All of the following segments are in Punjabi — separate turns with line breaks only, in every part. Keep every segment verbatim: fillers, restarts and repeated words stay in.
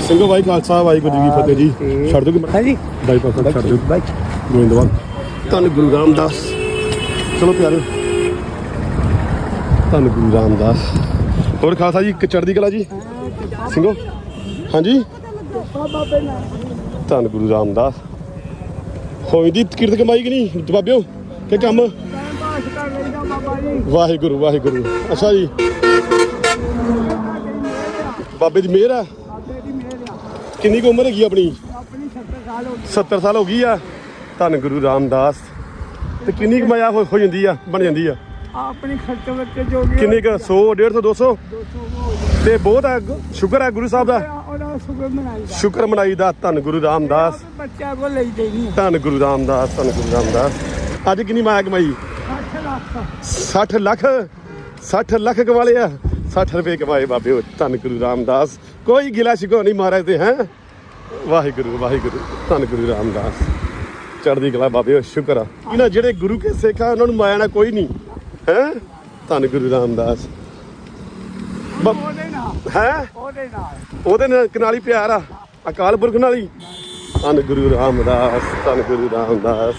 ਸਿੰਘੋ ਭਾਈ ਖਾਲਸਾ ਵਾਹਿਗੁਰੂ ਜੀ ਕੀ ਫਤਿਹ ਜੀ। ਛੱਡ ਦੋਗੇ
हाँ जी
ਬਾਈਪਾਸ ਛੱਡ ਦਿਓ
भाई
ਗੋਇੰਦਵਾਲ। ਧੰਨ ਗੁਰੂ ਰਾਮਦਾਸ। ਚਲੋ ਪਿਆਰੇ, ਧੰਨ ਗੁਰੂ ਰਾਮਦਾਸ। ਹੋਰ ਖਾਲਸਾ ਜੀ ਚੜ੍ਹਦੀ ਕਲਾ ਜੀ ਸਿੰਘੋ। ਹਾਂਜੀ ਧੰਨ ਗੁਰੂ ਰਾਮਦਾਸ। ਹੋਈ ਦੀ ਕਿਰਤ ਕਮਾਈ ਕਿ ਨਹੀਂ ਬਾਬਿਓ ਕਿ ਕੰਮ? ਵਾਹਿਗੁਰੂ ਵਾਹਿਗੁਰੂ। ਅੱਛਾ ਜੀ, ਬਾਬੇ ਦੀ ਮਿਹਰ ਆ। ਕਿੰਨੀ ਕੁ ਉਮਰ ਹੈਗੀ ਆਪਣੀ? ਸੱਤਰ ਸਾਲ ਹੋ ਗਈ ਆ। ਧੰਨ ਗੁਰੂ ਰਾਮਦਾਸ। ਤੇ ਕਿੰਨੀ ਕਮਾਇਆ ਹੋ ਹੋ ਜਾਂਦੀ ਆ, ਬਣ ਜਾਂਦੀ ਆ?
अपने खर्चे वर्चे जो भी
ਕਿੰਨੇ ਕੁ? ਸੌ ਡੇਢ ਸੌ ਦੋ ਸੌ? ਤੇ ਬਹੁਤ ਆ। ਸ਼ੁਕਰ ਹੈ ਗੁਰੂ ਸਾਹਿਬ ਦਾ,
शुगर मनाई
ਸ਼ੁਕਰ ਮਨਾਈ ਦਾ। ਧੰਨ ਗੁਰੂ ਰਾਮਦਾਸ।
बच्चा को ले देनी
ਧੰਨ ਗੁਰੂ ਰਾਮਦਾਸ, ਧੰਨ ਗੁਰੂ ਰਾਮਦਾਸ। ਅੱਜ ਕਿੰਨੀ ਮਾਇਆ ਕਮਾਈ? ਸੱਠ ਲੱਖ। ਸੱਠ ਲੱਖ ਕਮਾ ਲਿਆ। ਸੱਠ ਰੁਪਏ ਕਮਾਏ ਬਾਬੇ ਉਹ। ਧੰਨ ਗੁਰੂ ਰਾਮਦਾਸ। ਕੋਈ ਗਿਲਾ ਸ਼ਿਕਵਾ ਨਹੀਂ ਮਹਾਰਾਜ ਤੇ ਹੈ। ਵਾਹਿਗੁਰੂ ਵਾਹਿਗੁਰੂ। ਧੰਨ ਗੁਰੂ ਰਾਮਦਾਸ। ਚੜ੍ਹਦੀ ਕਲਾ ਬਾਬੇ, ਸ਼ੁਕਰ ਆ। ਇਹਨਾਂ ਜਿਹੜੇ ਗੁਰੂ ਕੇ ਸਿੱਖ ਆ ਉਹਨਾਂ ਨੂੰ ਮਾਇਆ ਨਾ ਕੋਈ ਨਹੀਂ ਹੈ। ਧੰਨ ਗੁਰੂ ਰਾਮਦਾਸ। ਹੈ ਉਹਦੇ ਨਾਲ ਨਾਲ ਹੀ ਪਿਆਰ ਆ, ਅਕਾਲ ਪੁਰਖ ਨਾਲ ਹੀ। ਧੰਨ ਗੁਰੂ ਰਾਮਦਾਸ, ਧੰਨ ਗੁਰੂ ਰਾਮਦਾਸ।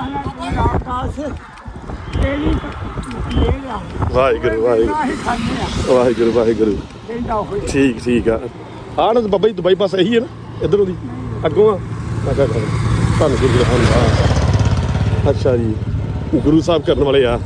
ਵਾਹਿਗੁਰੂ ਵਾਹਿਗੁਰੂ ਵਾਹਿਗੁਰੂ ਵਾਹਿਗੁਰੂ। ਠੀਕ ਠੀਕ ਆ। ਆਹ ਨਾ ਬਾਬਾ ਜੀ ਦੁਬਈ ਪਾਸ ਇਹੀ ਹੈ ਨਾ, ਇੱਧਰੋਂ ਦੀ ਅੱਗੋਂ ਆ। ਧੰਨ ਗੁਰੂ ਰਾਮਦਾਸ। ਅੱਛਾ ਜੀ, ਗੁਰੂ ਸਾਹਿਬ ਕਰਨ ਵਾਲੇ ਆ।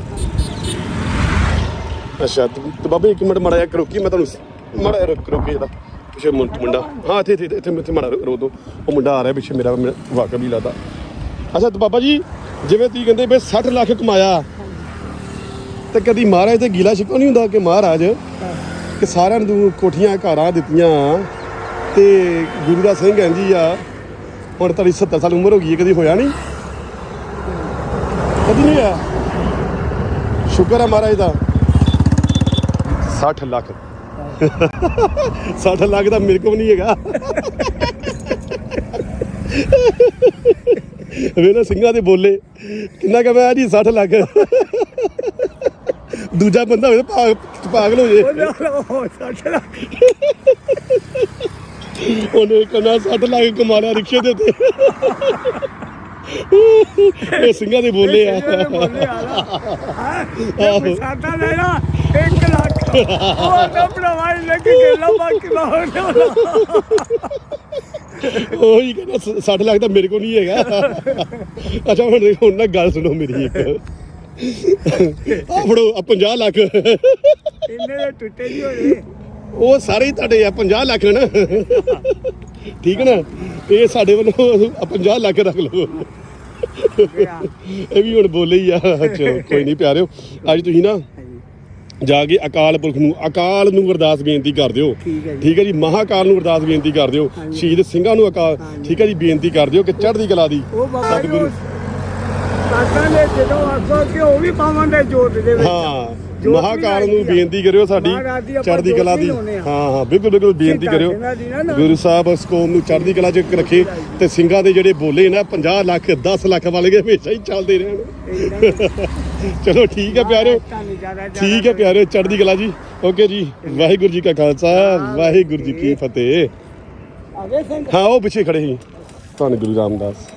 ਅੱਛਾ ਤੇ ਬਾਬਾ ਇੱਕ ਮਿੰਟ ਮਾੜਾ ਜਿਹਾ ਰੋਕੀ, ਮੈਂ ਤੁਹਾਨੂੰ ਮਾੜਾ ਜਿਹਾ ਰੁਕ ਰੋਕੇ ਇਹਦਾ ਪਿੱਛੇ ਮੁੰਡਾ। ਹਾਂ ਇੱਥੇ ਇੱਥੇ ਇੱਥੇ ਇੱਥੇ ਮਾੜਾ ਰੋ ਦੋ। ਉਹ ਮੁੰਡਾ ਆ ਰਿਹਾ ਪਿੱਛੇ, ਮੇਰਾ ਵਾਕਬ ਹੀ ਲੱਗਦਾ। ਅੱਛਾ ਤੇ ਬਾਬਾ ਜੀ ਜਿਵੇਂ ਤੁਸੀਂ ਕਹਿੰਦੇ ਵੀ ਸੱਠ ਲੱਖ ਕਮਾਇਆ, ਤੇ ਕਦੀ ਮਹਾਰਾਜ ਤੇ ਗੀਲਾ ਸ਼ਿਕਵਾ ਨਹੀਂ ਹੁੰਦਾ ਕਿ ਮਹਾਰਾਜ ਕਿ ਸਾਰਿਆਂ ਨੂੰ ਕੋਠੀਆਂ ਘਰਾਂ ਦਿੱਤੀਆਂ ਤੇ ਗੁਰੂ ਦਾ ਸਿੰਘ ਇੰਝ ਹੀ ਆ। ਹੁਣ ਤੁਹਾਡੀ ਸੱਤਰ ਸਾਲ ਉਮਰ ਹੋ ਗਈ ਹੈ, ਕਦੀ ਹੋਇਆ ਨਹੀਂ? ਕਦੀ ਨਹੀਂ ਹੋਇਆ। ਸ਼ੁਕਰ ਹੈ ਮਹਾਰਾਜ ਦਾ। ਸੱਠ ਲੱਖ ਸੱਠ ਲੱਖ ਦਾ ਮੇਰੇ ਕੋਲ ਨਹੀਂ ਹੈਗਾ। ਵੇਲੇ ਸਿੰਘਾਂ ਦੇ ਬੋਲੇ ਕਿੰਨਾ ਕਮਾਇਆ ਜੀ? ਸੱਠ ਲੱਖ। ਦੂਜਾ ਬੰਦਾ ਹੋਵੇ ਤਾਂ ਪਾਗਲ ਹੋ ਜੇ। ਉਹਨੇ ਕਹਿੰਦਾ ਸੱਠ ਲੱਖ ਕਮਾ ਲਿਆ ਰਿਕਸ਼ੇ ਦੇ ਉੱਤੇ। ਇਹ ਸਿੰਘਾਂ ਦੇ ਬੋਲੇ ਆ। ਉਹੀ ਕਹਿੰਦਾ ਸੱਠ ਲੱਖ ਤਾਂ ਮੇਰੇ ਕੋਲ ਨਹੀਂ ਹੈਗਾ। ਅੱਛਾ ਹੁਣ ਹੁਣ ਨਾ ਗੱਲ ਸੁਣੋ ਮੇਰੀ ਇੱਕ। ਆ ਫੜੋ ਆ ਪੰਜਾਹ ਲੱਖ।
ਟੁੱਟੇ ਨਹੀਂ ਹੋਏ
ਉਹ ਸਾਰੇ ਹੀ ਤੁਹਾਡੇ ਆ। ਪੰਜਾਹ ਲੱਖ ਨਾ, ਠੀਕ ਹੈ ਨਾ? ਇਹ ਸਾਡੇ ਵੱਲੋਂ ਪੰਜਾਹ ਲੱਖ ਰੱਖ ਲਓ। ਇਹ ਵੀ ਹੁਣ ਬੋਲੇ ਹੀ ਆ। ਚਲੋ ਕੋਈ ਨਹੀਂ ਪਿਆਰਿਓ, ਅੱਜ ਤੁਸੀਂ ਨਾ ਜਾ ਕੇ ਅਕਾਲ ਪੁਰਖ ਨੂੰ ਅਕਾਲ ਨੂੰ ਅਰਦਾਸ ਬੇਨਤੀ ਕਰ ਦਿਓ। ਠੀਕ ਹੈ ਜੀ, ਮਹਾਕਾਲ ਨੂੰ ਅਰਦਾਸ ਬੇਨਤੀ ਕਰ ਦਿਓ। ਸ਼ਹੀਦ ਸਿੰਘਾਂ ਨੂੰ ਅਕਾਲ ਠੀਕ ਹੈ ਜੀ ਬੇਨਤੀ ਕਰ ਦਿਓ ਕਿ ਚੜ੍ਹਦੀ ਕਲਾ ਦੀ ਸਤਿਗੁਰੂ। ਹਾਂ ਮਹਾਕਾਲ ਨੂੰ ਬੇਨਤੀ ਕਰਿਓ ਸਾਡੀ ਚੜ੍ਹਦੀ ਕਲਾ ਦੀ। ਹਾਂ ਹਾਂ ਬਿਲਕੁਲ ਬਿਲਕੁਲ ਬੇਨਤੀ ਕਰਿਓ। ਗੁਰੂ ਸਾਹਿਬ ਇਸ ਕੌਮ ਨੂੰ ਚੜ੍ਹਦੀ ਕਲਾ 'ਚ ਰੱਖੇ ਤੇ ਸਿੰਘਾਂ ਦੇ ਜਿਹੜੇ ਬੋਲੇ ਨਾ ਪੰਜਾਹ ਲੱਖ ਦਸ ਲੱਖ ਵਾਲੇ ਹਮੇਸ਼ਾ ਹੀ ਚੱਲਦੇ ਰਹਿਣ। ਚਲੋ ਠੀਕ ਹੈ ਪਿਆਰਿਓ, ਠੀਕ ਹੈ ਪਿਆਰਿਓ, ਚੜ੍ਹਦੀ ਕਲਾ ਜੀ। ਓਕੇ ਜੀ, ਵਾਹਿਗੁਰੂ ਜੀ ਕਾ ਖਾਲਸਾ ਵਾਹਿਗੁਰੂ ਜੀ ਕੀ ਫਤਿਹ। ਹਾਂ ਉਹ ਪਿੱਛੇ ਖੜੇ ਸੀ। ਧੰਨ ਗੁਰੂ ਰਾਮਦਾਸ।